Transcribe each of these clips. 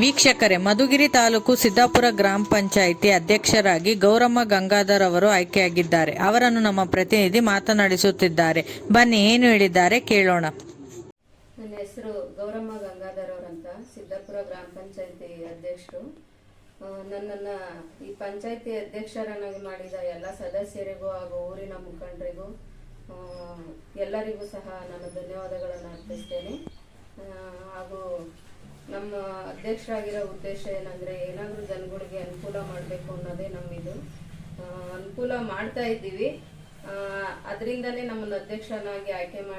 ವೀಕ್ಷಕರೇ, ಮಧುಗಿರಿ ತಾಲೂಕು ಸಿದ್ದಾಪುರ ಗ್ರಾಮ ಪಂಚಾಯಿತಿ ಅಧ್ಯಕ್ಷರಾಗಿ ಗೌರಮ್ಮ ಗಂಗಾಧರ್ ಅವರು ಆಯ್ಕೆಯಾಗಿದ್ದಾರೆ. ಅವರನ್ನು ನಮ್ಮ ಪ್ರತಿನಿಧಿ ಮಾತನಾಡಿಸುತ್ತಿದ್ದಾರೆ. ಬನ್ನಿ, ಏನು ಹೇಳಿದ್ದಾರೆ ಕೇಳೋಣ. ನನ್ನ ಹೆಸರು ಗೌರಮ್ಮ ಗಂಗಾಧರ್ ಅವರಂತ, ಸಿದ್ದಾಪುರ ಗ್ರಾಮ ಪಂಚಾಯಿತಿ ಅಧ್ಯಕ್ಷರು. ನನ್ನನ್ನ ಈ ಪಂಚಾಯಿತಿ ಅಧ್ಯಕ್ಷರನ್ನಾಗಿ ಮಾಡಿದ ಎಲ್ಲ ಸದಸ್ಯರಿಗೂ ಹಾಗೂ ಊರಿನ ಮುಖಂಡರಿಗೂ ಎಲ್ಲರಿಗೂ ಸಹ ನಾನು ಧನ್ಯವಾದಗಳನ್ನು ಅರ್ಪಿಸ್ತೇನೆ. ಹಾಗೂ ನಮ್ಮ ಅಧ್ಯಕ್ಷರಾಗಿರೋ ಉದ್ದೇಶ ಏನಂದ್ರೆ, ಏನಾದರೂ ಜನಗಳಿಗೆ ಅನುಕೂಲ ಮಾಡಬೇಕು ಅನ್ನೋದೇ ನಮ್ಮಿದು. ಅನುಕೂಲ ಮಾಡ್ತಾ ಇದ್ದೀವಿ. ಅದರಿಂದನೇ ನಮ್ಮನ್ನು ಅಧ್ಯಕ್ಷನಾಗಿ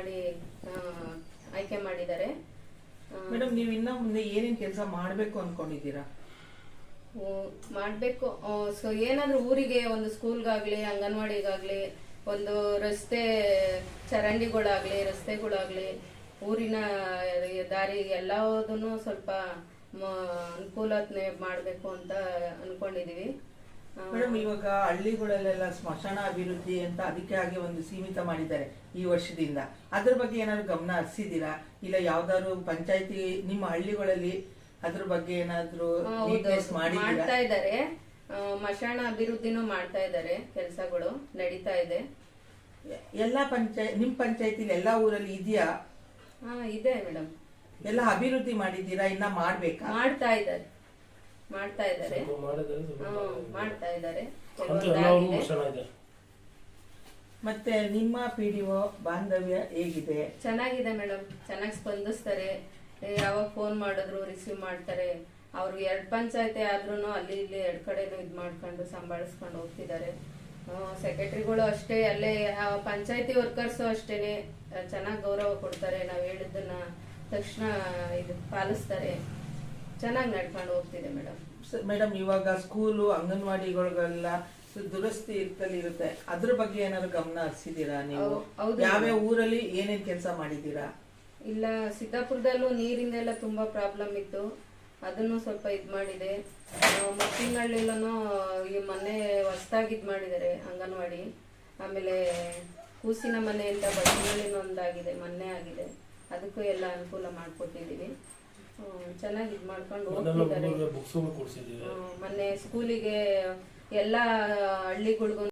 ಆಯ್ಕೆ ಮಾಡಿದ್ದಾರೆ. ಮೇಡಮ್, ನೀವು ಇನ್ನ ಮುಂದೆ ಏನೇನು ಕೆಲಸ ಮಾಡಬೇಕು ಅನ್ಕೊಂಡಿದ್ದೀರಾ? ಮಾಡಬೇಕು. ಸೊ ಏನಾದರೂ ಊರಿಗೆ ಒಂದು ಸ್ಕೂಲ್ಗಾಗ್ಲಿ, ಅಂಗನವಾಡಿಗಾಗ್ಲಿ, ಒಂದು ರಸ್ತೆ ಚರಂಡಿಗಳಾಗ್ಲಿ, ರಸ್ತೆಗಳಾಗ್ಲಿ, ಊರಿನ ದಾರಿ ಎಲ್ಲದನ್ನು ಸ್ವಲ್ಪ ಅನುಕೂಲತೆ ಮಾಡಬೇಕು ಅಂತ ಅನ್ಕೊಂಡಿದೀವಿ. ಮೇಡಮ್, ಇವಾಗ ಹಳ್ಳಿಗಳಲ್ಲೆಲ್ಲ ಸ್ಮಶಾನ ಅಭಿವೃದ್ಧಿ ಅಂತ ಅದಕ್ಕೆ ಆಗಿ ಒಂದು ಸೀಮಿತ ಮಾಡಿದ್ದಾರೆ ಈ ವರ್ಷದಿಂದ. ಅದ್ರ ಬಗ್ಗೆ ಏನಾದ್ರು ಗಮನ ಹರಿಸಿದೀರಾ? ಇಲ್ಲ ಯಾವ್ದಾದ್ರು ಪಂಚಾಯತಿ ನಿಮ್ಮ ಹಳ್ಳಿಗಳಲ್ಲಿ ಅದ್ರ ಬಗ್ಗೆ ಏನಾದ್ರು ಮಾಡ್ತಾ ಇದ್ದಾರೆ. ಸ್ಮಶಾನ ಅಭಿವೃದ್ಧಿನೂ ಮಾಡ್ತಾ ಇದ್ದಾರೆ, ಕೆಲಸಗಳು ನಡೀತಾ ಇದೆ. ಎಲ್ಲಾ ನಿಮ್ ಪಂಚಾಯತಿಲಿ ಎಲ್ಲಾ ಊರಲ್ಲಿ ಇದೆಯಾ? ಇದೆ ಮೇಡಮ್. ಎಲ್ಲ ಅಭಿವೃದ್ಧಿ ಮಾಡಿದ್ದೀರಾ? ಇನ್ನ ಮಾಡ್ತಾ ಇದ್ದಾರೆ. ಮತ್ತೆ ನಿಮ್ಮ ಪಿಡಿಒ ಬಾಂಧವ್ಯ ಹೇಗಿದೆ? ಚೆನ್ನಾಗಿದೆ ಮೇಡಮ್. ಚೆನ್ನಾಗಿ ಸ್ಪಂದಿಸ್ತಾರೆ. ಯಾವಾಗ ಫೋನ್ ಮಾಡಿದ್ರು ರಿಸೀವ್ ಮಾಡ್ತಾರೆ. ಅವ್ರು 2 ಪಂಚಾಯತಿ ಆದ್ರೂ ಅಲ್ಲಿ ಇಲ್ಲಿ 2 ಕಡೆನೂ ಇದ್ ಮಾಡ್ಕೊಂಡು ಸಂಭಾಳಿಸ್ಕೊಂಡು ಹೋಗ್ತಿದ್ದಾರೆ. ಸೆಕ್ರೆಟರಿಗಳು ಅಷ್ಟೇ, ಅಲ್ಲೇ ಪಂಚಾಯತಿ ವರ್ಕರ್ಸು ಅಷ್ಟೇನೆ ಚೆನ್ನಾಗಿ ಗೌರವ ಕೊಡ್ತಾರೆ. ನಾವು ಹೇಳಿದ್ದನ್ನ ತಕ್ಷಣ ಇದು ಪಾಲಿಸ್ತಾರೆ. ಚೆನ್ನಾಗಿ ನಡ್ಕೊಂಡು ಹೋಗ್ತಿದೆ ಮೇಡಮ್. ಮೇಡಮ್, ಇವಾಗ ಸ್ಕೂಲು ಅಂಗನವಾಡಿಗಳಿಗೆಲ್ಲ ದುರಸ್ತಿ ಇರುತ್ತೆ, ಅದ್ರ ಬಗ್ಗೆ ಏನಾದ್ರು ಗಮನ ಹರಿಸಿದೀರಾ ನೀವು? ಯಾವ್ಯಾವ ಊರಲ್ಲಿ ಏನೇನ್ ಕೆಲಸ ಮಾಡಿದೀರಾ? ಇಲ್ಲ, ಸಿದ್ದಾಪುರದಲ್ಲೂ ನೀರಿಂದೆಲ್ಲ ತುಂಬಾ ಪ್ರಾಬ್ಲಮ್ ಇತ್ತು. ಅದನ್ನು ಸ್ವಲ್ಪ ಇದ್ ಮಾಡಿದೆ. ಮತ್ತಿನಹಳ್ಳಿಲೂ ಈ ಮೊನ್ನೆ ಹೊಸದಾಗಿ ಇದ್ ಮಾಡಿದ್ದಾರೆ ಅಂಗನವಾಡಿ. ಆಮೇಲೆ ಕೂಸಿನ ಮನೆ ಅಂತ ಬಡಗಿನಹಳ್ಳಿನ ಒಂದಾಗಿದೆ, ಮೊನ್ನೆ ಆಗಿದೆ. ಅದಕ್ಕೂ ಎಲ್ಲ ಅನುಕೂಲ ಮಾಡ್ಕೊಟ್ಟಿದೀವಿ. ಚೆನ್ನಾಗಿ ಇದ್ ಮಾಡ್ಕೊಂಡು ಹೋಗ್ತಿದ್ದಾರೆ. ಮೊನ್ನೆ ಸ್ಕೂಲಿಗೆ ಎಲ್ಲ ಹಳ್ಳಿಗಳಿಗೂ